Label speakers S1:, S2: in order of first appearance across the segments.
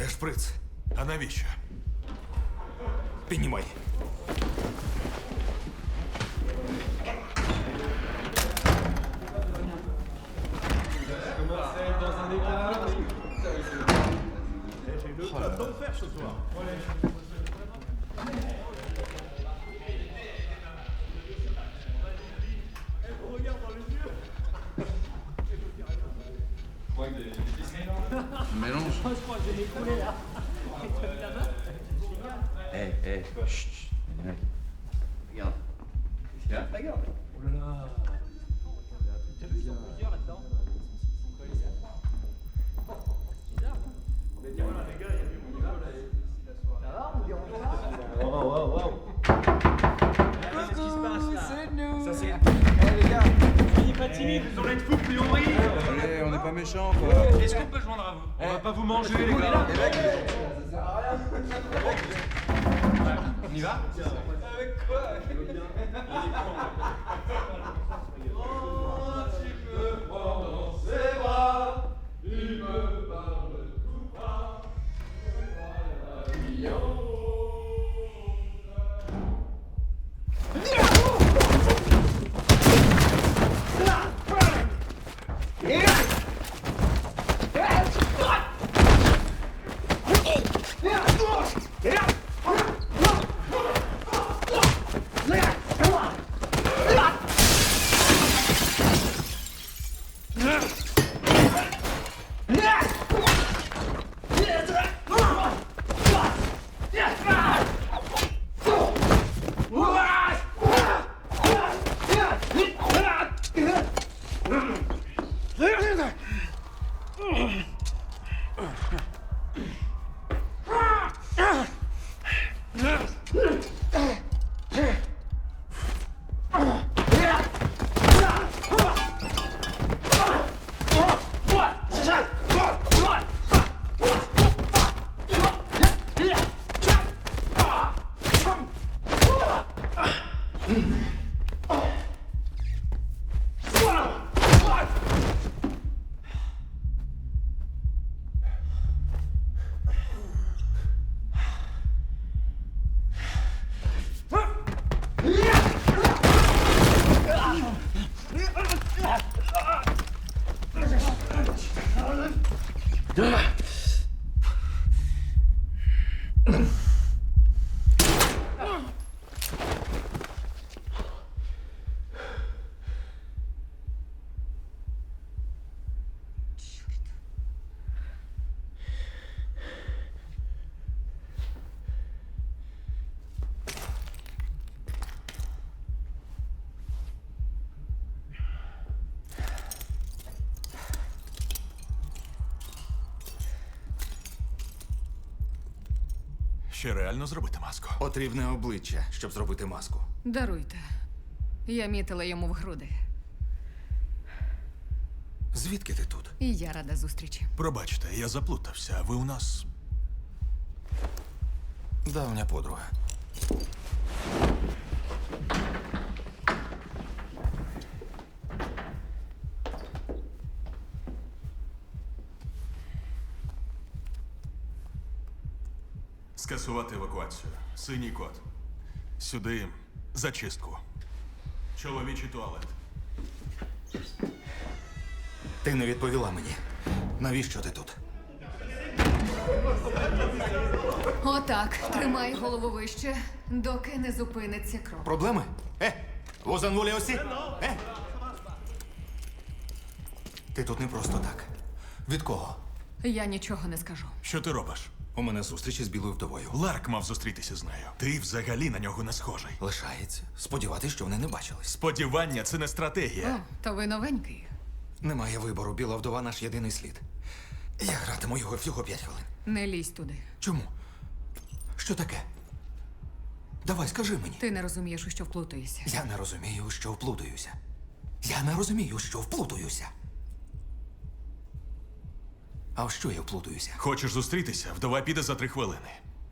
S1: Де шприц?
S2: А навіщо?
S1: Піднімай.
S3: Mélange. Chut. Ouais. Regarde. Regarde. Allez, on n'est pas méchants, quoi.
S4: Est-ce qu'on peut joindre à vous? On va pas vous manger, les gars. On y va?
S2: Ще реально зробити маску?
S1: Потрібне обличчя, щоб зробити маску.
S5: Даруйте. Я мітила йому в груди.
S1: Звідки ти тут?
S5: І я рада зустрічі.
S2: Пробачте, я заплутався. Ви у нас...
S1: Давня подруга.
S2: Скасувати евакуацію. Синій код. Сюди зачистку. Чоловічий туалет.
S1: Ти не відповіла мені. Навіщо ти тут?
S5: Отак, тримай голову вище, доки не зупиниться кров.
S1: Проблеми? Vous en voulez aussi? Ти тут не просто так. Від кого?
S5: Я нічого не скажу.
S2: Що ти робиш?
S1: У мене зустріч із білою вдовою.
S2: Ларк мав зустрітися з нею. Ти взагалі на нього не схожий.
S1: Лишається. Сподіватись, що вони не бачились.
S2: Сподівання – це не
S5: О,
S2: стратегія.
S5: то ви новенький.
S1: Немає вибору. Біла вдова наш єдиний слід. Я гратиму його всього 5 хвилин.
S5: Не лізь туди.
S1: Чому? Що таке? Давай, скажи мені.
S5: Ти не розумієш, у що вплутуєшся.
S1: Я не розумію, що вплутуюся. Я не розумію, що вплутуюся. А в що я вплутуюся?
S2: Хочеш зустрітися? Вдова піде за 3 хвилини.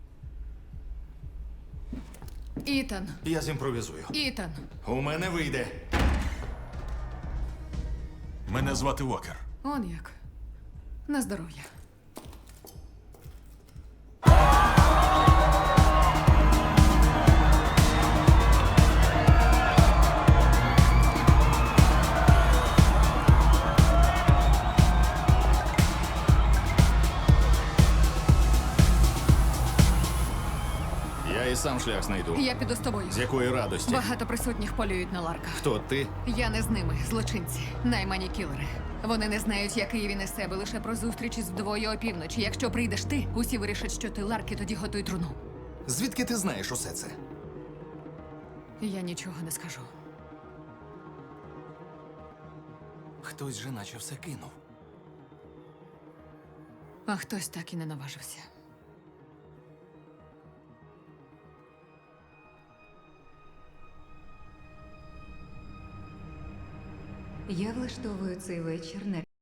S5: Ітан,
S1: Я зімпровізую.
S5: Ітан.
S1: У мене вийде.
S2: Мене звати Уокер.
S5: Он як. На здоров'я.
S6: сам шлях знайду.
S5: Я піду з тобою.
S6: З якої радості?
S5: Багато присутніх полюють на ларках.
S6: Хто ти?
S5: Я не з ними, злочинці, наймані кілери. Вони не знають, який він із себе, лише про зустріч із вдвоє опівночі. Якщо прийдеш ти, усі вирішать, що ти ларки, тоді готуй труну.
S6: Звідки ти знаєш усе це?
S5: Я нічого не скажу.
S1: Хтось же наче все кинув.
S5: А хтось так і не наважився.
S7: Я влаштовую цей вечір на